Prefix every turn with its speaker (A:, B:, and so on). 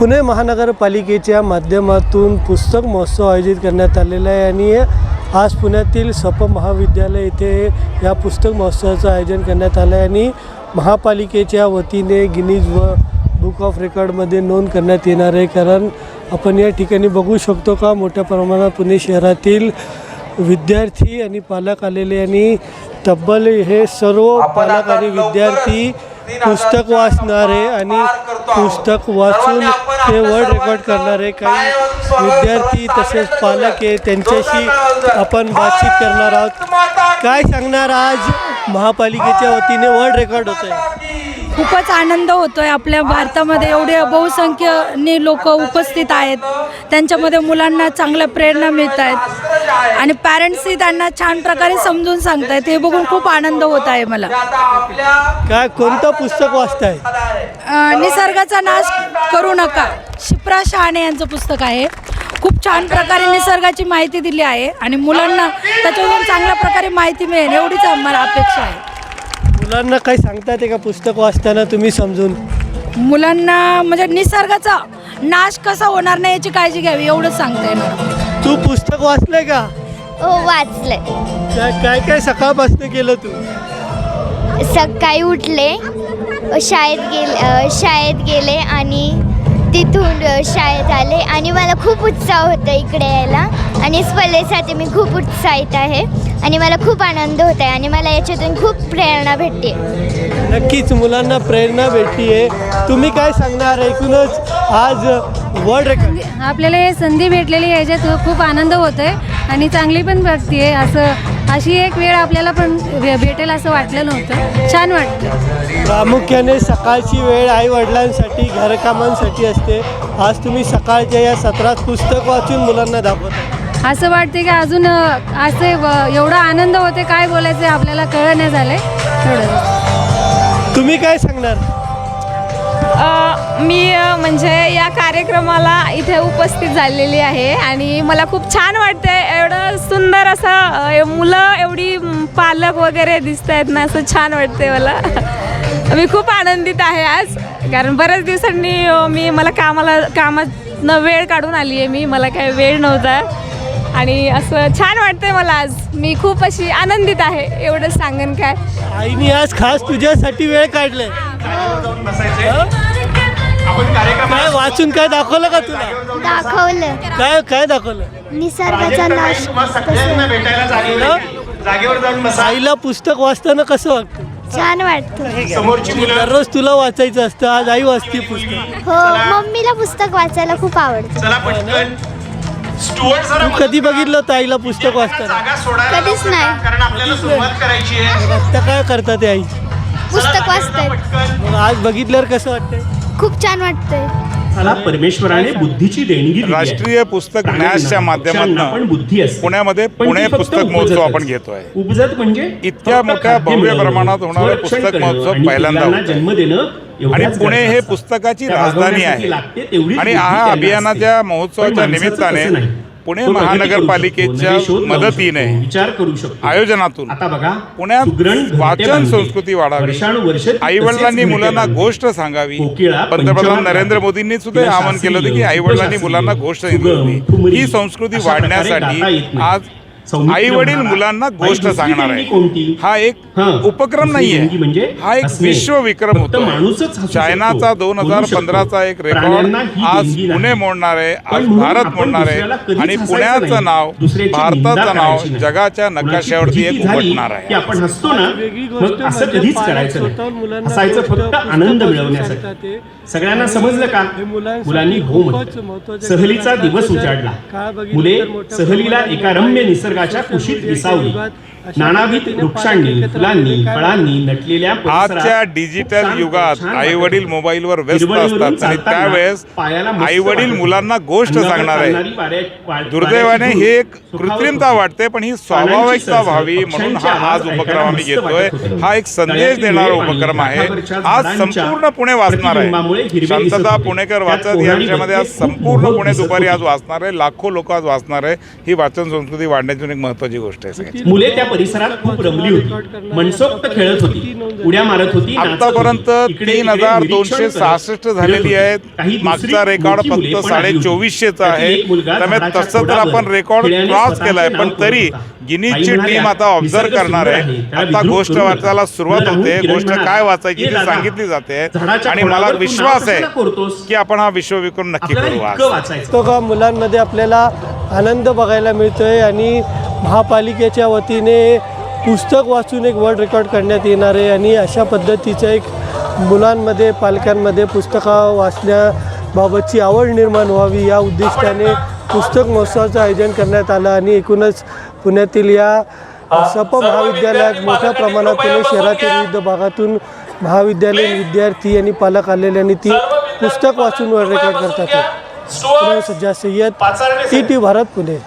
A: पुणे महानगरपालिकेच्या माध्यमातून पुस्तक महोत्सव आयोजित करण्यात आलेला आहे आणि आज पुण्यातील सप महाविद्यालय येथे या पुस्तक महोत्सवाचं आयोजन करण्यात आलं आहे आणि महापालिकेच्या वतीने गिनीज बुक ऑफ रेकॉर्डमध्ये नोंद करण्यात येणार आहे। कारण आपण या ठिकाणी बघू शकतो का मोठ्या प्रमाणात पुणे शहरातील विद्यार्थी आणि पालक आलेले आणि तब्बल हे सर्व पालक आणि विद्यार्थी पुस्तक वाचणारे आणि पुस्तक वाचून ते वर्ल्ड रेकॉर्ड करणारे काही विद्यार्थी तसेच पालक आहे, त्यांच्याशी आपण बातचीत करणार आहोत। काय सांगणार, आज महापालिकेच्या वतीने वर्ल्ड रेकॉर्ड होत आहे?
B: खूपच आनंद होतोय। आपल्या भारतामध्ये एवढे बहुसंख्येने लोक उपस्थित आहेत, त्यांच्यामध्ये मुलांना चांगल्या प्रेरणा मिळत आहेत आणि पॅरेंट्सही त्यांना छान प्रकारे समजून सांगतायत, हे बघून खूप आनंद होत आहे मला।
A: काय कोणतं पुस्तक वाचताय?
B: निसर्गाचा नाश करू नका, शिप्रा शहाणे यांचं पुस्तक आहे। खूप छान प्रकारे निसर्गाची माहिती दिली आहे आणि मुलांना त्याच्यातून चांगल्या प्रकारे माहिती मिळेल एवढीच आम्हाला अपेक्षा आहे।
A: मुलांना काही सांगतात का पुस्तक वाचताना तुम्ही समजून?
B: मुलांना म्हणजे निसर्गाचा नाश कसा होणार नाही याची काळजी घ्यावी एवढंच सांगता येणार।
A: तू पुस्तक वाचलंय का?
C: हो, वाचलंय।
A: काय काय सकाळपासून केलं तू?
C: सकाळी उठले, शाळेत गेले आणि तिथून शाळेत आले आणि मला खूप उत्साह होता इकडे यायला आणि स्पर्धेसाठी मी खूप उत्साहित आहे आणि मला खूप आनंद होत आहे आणि मला याच्यातून खूप प्रेरणा भेटते।
A: नक्कीच मुलांना प्रेरणा भेटती आहे। तुम्ही काय सांगणार? एकूणच आज वर्ल्ड रेकॉर्ड
D: आपल्याला हे संधी भेटलेली आहे, याच्यात खूप आनंद होतो आहे आणि चांगली पण वाटते आहे। अशी एक वेळ आपल्याला पण भेटेल असं वाटलं नव्हतं, छान वाटतं।
A: प्रामुख्याने सकाळची वेळ आई वडिलांसाठी घरकामांसाठी असते, आज तुम्ही सकाळच्या या सत्रात पुस्तक वाचून मुलांना दाखवता।
D: असं वाटते की अजून असे एवढा आनंद होते, काय बोलायचं आपल्याला कळलं नाही झालं एवढं।
A: तुम्ही काय सांगणार?
E: मी म्हणजे या कार्यक्रमाला इथे उपस्थित झालेली आहे आणि मला खूप छान वाटते। एवढं सुंदर असं मुलं एवढी पालक वगैरे दिसत आहेत ना, असं छान वाटते मला। मी खूप आनंदित आहे आज, कारण बऱ्याच दिवसांनी मला कामातनं वेळ काढून आली आहे मला काही वेळ नव्हता आणि असं छान वाटतंय मला आज। मी खूप अशी आनंदित आहे, एवढं सांगेन काय।
A: आईने आज खास तुझ्यासाठी वेळ काढलाय। काय वाचून काय दाखवलं का तुला?
C: दाखवलं।
A: काय दाखवलं?
C: निसर्गाचा नाश।
A: आईला पुस्तक वाचताना कसं वाटतं?
C: छान वाटतं।
A: दररोज तुला वाचायचं असतं, आज आई वाचते पुस्तक।
C: हो, मम्मीला पुस्तक वाचायला खूप आवडतं।
A: तू कधी बघितलं होतं आईला पुस्तक वाचताना?
C: कधीच नाही।
A: आता काय करतात ते आई?
C: पुस्तक वाचतात।
A: मग आज बघितल्यावर कसं वाटतंय?
C: खूप छान वाटतंय।
F: मला परमेश्वराने बुद्धीची देणगी दिली आहे।
G: राष्ट्रीय पुस्तक न्यासच्या माध्यमातून पुण्यामध्ये पुणे पुस्तक महोत्सव आपण घेतोय।
F: उपजत म्हणजे
G: इतक्या मोठ्या भव्य प्रमाणात होणारा पुस्तक महोत्सव पहिल्यांदा होतोय
F: जन्म देणं
G: आणि पुणे हे पुस्तकाची राजधानी आहे आणि हा अभियानाच्या महोत्सवाच्या निमित्ताने पुणे महानगरपालिकेच्या मदतीने
F: विचार करू शकतो,
G: आयोजनातून
F: आता बघा
G: पुण्यात वाचन संस्कृती वाढावी, आई वडिलांनी मुलांना गोष्ट सांगावी। पंतप्रधान नरेंद्र मोदींनी सुद्धा आवाहन केलं होतं की आई वडिलांनी मुलांना गोष्ट सांगावी। ही संस्कृती वाढण्यासाठी आज आई वडील मुलांना गोष्ट सांगणार आहे। हा एक उपक्रम नाहीये, हा एक विश्व विक्रम होतो। चायनाचा 2015चा एक रेकॉर्ड आज पुणे मोडणार आहे, आज भारत मोडणार आहे आणि पुण्याचं नाव, भारताचं नाव जगाच्या नकाशावरती एक उमटणार आहे।
F: आपण हसतो ना, मग असं कधीच करायचं नाही, हसायचं फक्त आनंद मिळवण्यासाठी। सगळ्यांना समजलं का? मुलांनी हो म्हटलं। सहलीचा दिवस उजाडला, मुले सहलीला एका रम्य निसर्गाच्या कुशीत विसावली। नानाविध वृक्षांनी, फुलांनी, फळांनी नटलेल्या
G: आजच्या डिजिटल युगात आई वडील मोबाईलवर व्यस्त असतात आणि त्यावेळेस आई वडील मुलांना गोष्ट सांगणार आहे। दुर्दैवाने हे एक कृत्रिमता वाटते, पण ही स्वाभाविकता व्हावी म्हणून हा आज उपक्रम आम्ही घेतोय। हा एक संदेश देणारा उपक्रम आहे। आज संपूर्ण पुणे वाचणार आहे।
F: त्यामुळे हिरवे दिसत
G: शांतता
F: होते.
G: पुणेकर
F: त्यात
G: वाचत या
F: कोहराडी
G: विषयामध्ये आज
F: मध्ये खूप
G: संपूर्ण
F: मोहक
G: पुणे
F: दिसत
G: दुपारी
F: होते.
G: आज वाचणार आहे. लाखो लोक आज वाचणार आहे. ही वाचन संस्कृती वाढण्याची एक महत्वाची गोष्ट आहे सगळ्यात.
F: मुले त्या परिसरात खूप रमली होती, मनसोक्त खेळत होती, उड्या मारत होती, नाचत होती.
G: आतापर्यंत
F: इकडे
G: 3,266 झालेली आहेत.
F: काही दुसरी
G: मागचा रेकॉर्ड
F: मोठी मुले
G: फक्त
F: पण आली होती.
G: 2400चा आहे.
F: त्यातील एक मुलगा
G: त्यामुळे
F: झाडाच्या
G: तसं तर
F: खोडावर
G: आपण रेकॉर्ड
F: खेळण्याने
G: क्रॉस
F: स्वतःचे
G: केलाय,
F: नाव
G: पण
F: करत
G: तरी
F: होता.
G: गिनीजची
F: आई म्हणाल्या,
G: टीम आता ऑब्झर्व
F: निसर्ग
G: करणार
F: सुंदर
G: आहे.
F: आहे, त्याला
G: आता
F: विद्रूप
G: गोष्ट
F: करू नका.
G: वाचायला सुरुवात
F: राहुल
G: होते.
F: किरण
G: गोष्ट
F: म्हणाला,
G: काय वाचायची
F: "ये
G: ती
F: दादा,
G: सांगितली जाते
F: झाडाच्या
G: आणि मला
F: खोडावर तू
G: विश्वास
F: नाव
G: आहे
F: कशाला कोरतोस?
G: की आपण हा विश्वविक्रम नक्की
F: आपल्याला
G: करू आज.
F: इतकं वाचायचं.
A: पुस्तका मुलांमध्ये आपल्याला आनंद बघायला मिळतोय आणि महापालिकेच्या वतीने पुस्तक वाचून एक वर्ल्ड रेकॉर्ड करण्यात येणार आहे आणि अशा पद्धतीचं एक मुलांमध्ये पालकांमध्ये पुस्तका वाचण्याबाबतची आवड निर्माण व्हावी या उद्दिष्टाने पुस्तक महोत्सवाचं आयोजन करण्यात आलं आणि एकूणच पुण्यातील या सप महाविद्यालयात मोठ्या प्रमाणात पुणे शहरातील विविध भागातून महाविद्यालयीन विद्यार्थी आणि पालक आलेले आणि ती पुस्तक वाचून वर्ल्ड रेकॉर्ड करतात. पुणे सज्जाद सय्यद, ET भारत, पुणे.